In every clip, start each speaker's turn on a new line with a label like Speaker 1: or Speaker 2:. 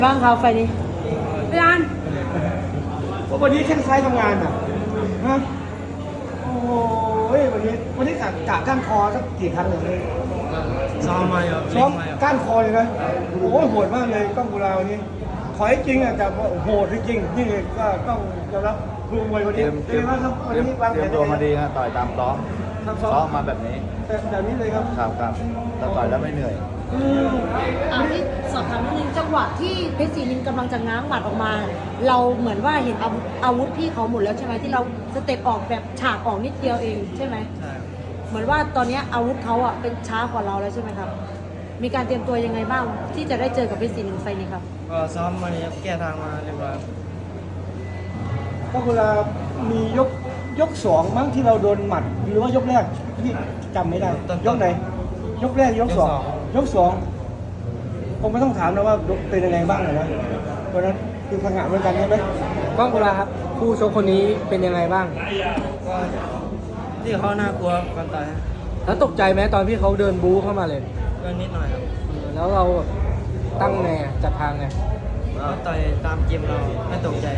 Speaker 1: บ้างครับไฟนี้พี่อัน
Speaker 2: วันนี้แข้งซ้ายทำงานอ่ะฮะโอ้ยวันนี้กะก้านคอสักกี่ครั้งเลย
Speaker 3: ซ้อมมาอยู่
Speaker 2: ซ้อมก้านคอเลยนะโอ้ยโหดมากเลยกล้องกุลาวันนี้ถอยจริงอ่ะแต่โหดจริงๆนี่ก็ต้องยอมรับครูมวยวันนี้เป็นไงบ้างครับวันนี้วาง
Speaker 4: เต
Speaker 2: แผ
Speaker 4: รีย
Speaker 2: น
Speaker 4: มตัวมาดีฮะต่อยตามซ้อม
Speaker 2: ทำ
Speaker 4: ซ้
Speaker 2: ซ้
Speaker 4: อ
Speaker 2: อ
Speaker 4: ม
Speaker 2: ม
Speaker 4: มาแบบนี้
Speaker 2: แบบนี้เลยครับ
Speaker 4: ครับแล้วต่อยแล้วไม่เหนื่อย
Speaker 1: พี่สอบถามนิดนึงจังหวะที่เพชรศรีนินกำลังจะง้างหมัดออกมา เราเหมือนว่าเห็นอาวุธพี่เขาหมดแล้วใช่ไหมที่เราสเต็ปออกแบบฉากออกนิดเดียวเองใช่ไหม
Speaker 3: ใช่
Speaker 1: เหมือนว่าตอนนี้อาวุธเขาอ่ะเป็นช้ากว่าเราแล้วใช่ไหมครับมีการเตรียมตัวยังไงบ้างที่จะได้เจอกับเพชรศรีนินไฟนี้ครับ
Speaker 3: ก็ซ้อมมาเนี่ยแก้ทางมาเรียบร้อย
Speaker 2: กล้องกุลามียกสองมั้งที่เราโดนหมัดหรือว่ายกแรกพี่จำไม่ได้ยกไหนยกแรกยกสองยกสองผมไม่ต้องถามนะว่าเป็นยังไงบ้างเลยนะเพราะนั้นคือพังงะเหมือนกันใช่ไหม
Speaker 5: ก้องกุลาครับผู้ชกคนนี้เป็นยังไงบ้าง
Speaker 3: ก็ที่เขาน่ากลัวก่อนต่อย
Speaker 5: แล้วตกใจไหมตอนที่เขาเดินบู๊เข้ามาเลย
Speaker 3: ก็นิดหน่อยครับ
Speaker 5: แล้วเราแบบตั้งไงอะจัดทางไง
Speaker 3: ก็ต่อยตามเกมเราไม่ตกใจ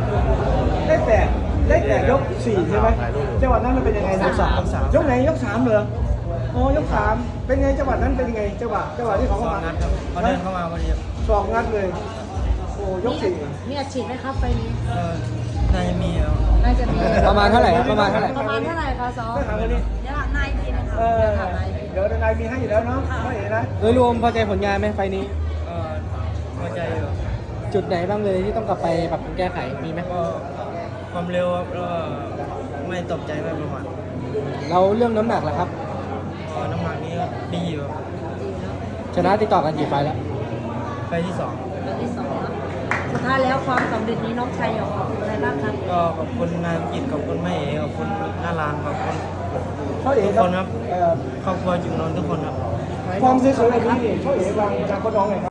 Speaker 2: ได้แต่ยกสี่ใช่ไหมจังหวะนั้นมันเป็นยังไงนะ ยกไหนยกสามเหรออ๋อยกสามเป็นไงจังหวะนั้นเป็นยังไงจังหวะที่เขา
Speaker 3: ส
Speaker 2: เข้า
Speaker 3: อง
Speaker 2: มา
Speaker 3: นัดครับเขาเดินเข้ามาพอดี
Speaker 2: สองงัดเลยโอ้ยกสี่
Speaker 1: มีอาชีพไหมครับไฟนี้
Speaker 3: ก็น่าจะมีครับ
Speaker 1: น่าจะมี
Speaker 5: ประมาณเท่าไหร่ครับประมาณเท่าไหร่
Speaker 1: ประมาณเท่าไหร่คะซ้อม
Speaker 2: ได้ถามคนนี้
Speaker 1: เดี๋ยวถามนายอีกทีนะคะ
Speaker 2: เออเดี๋ยวนายมีให้อยู่แล้วเนาะไม่เห็นนะ
Speaker 5: โดยรวมพอใจผลงานไหมไฟล์นี้
Speaker 3: ก็พอใจอยู่
Speaker 5: จุดไหนบ้างเลยที่ต้องกลับไปปรับปรุงแก้ไขมีไหม
Speaker 3: ก็ความเร็วครับแล้วก็ไม่ตกใจไม่ประมาท
Speaker 5: เราเรื่องน้ำหนักล่ะครับ
Speaker 3: ก็น้ำหนักนี้ก็ดีอยู่ครับ
Speaker 5: ชนะติดต่อกันกี่ไฟล์แล้ว
Speaker 3: ไฟล์ที่สอง
Speaker 1: แบบที่สองเนอะสุดท้ายแล้วความสำเร็จนี้น้องชายอยากขอบคุณอะไรบ้างครับ
Speaker 3: ก็ขอบคุณนายกิจขอบคุณแม่เอ๋ขอบคุณน้ารานขอบคุณ
Speaker 2: เขาเอ๋
Speaker 3: ทุกคนครับ
Speaker 2: เอ่อ
Speaker 3: ครอบครัวจุงนนท์ทุกคนครับ
Speaker 2: ความสวยๆแบบนี้เขาเอ๋วางจากคนน้องไงครับ